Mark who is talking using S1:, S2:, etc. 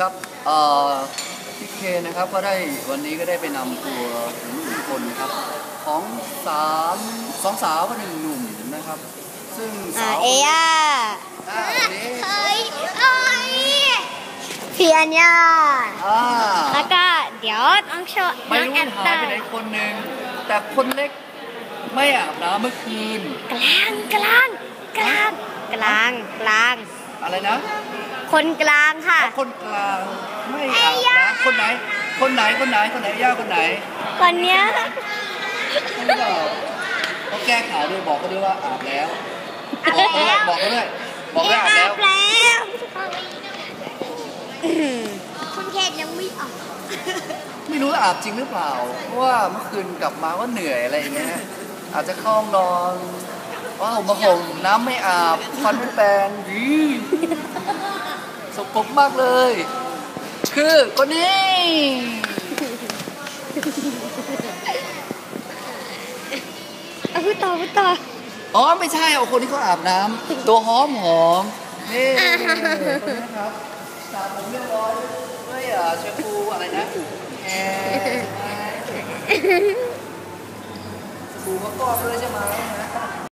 S1: ครับพี่เคนะครับก็ได้วันนี้ก็ได้ไปนำตัวทุกคนนะครับของสองสาวกับหนึ่งหนุ่มนะครับซึ่งสาว
S2: เอย่า
S1: เฮ้ย
S2: พี่อัญญา
S1: แล้
S2: วก็เดี๋ยวต้องโชว์
S1: ไม่รู้หายไปไหนคนหนึ่งแต่คนเล็กไม่อาบน้ำเมื่อคืน
S2: กลาง
S1: อะไรนะ
S2: คนกลางค่ะ
S1: คนกลางไม่อาบน้ำคนไหนย่าคนไหนคน
S2: เนี้ย
S1: เขาแก้ข่าวด้วยบอกเขาด้วยว่าอาบแล้วบอกเขาด้วยอาบแล้ว
S2: คุณเขตยังไม่ออก
S1: ไม่รู้อาบจริงหรือเปล่าเพราะว่าเมื่อคืนกลับมาก็เหนื่อยอะไรอย่างเงี้ยอาจจะเข้าห้องนอนว้าวมาห่มน้ำไม่อาบฟันไม่แปรงสกปรกมากเลยคือคนนี้
S2: พูดต่อ
S1: อ๋อไม่ใช่เอาคนที่เขาอาบน้ำตัวหอมนี่คนนี้ครับสระผมเรียบร้อยด้วยแชมพูอะไรนะสบู่มะกอกเลยใช่ไหม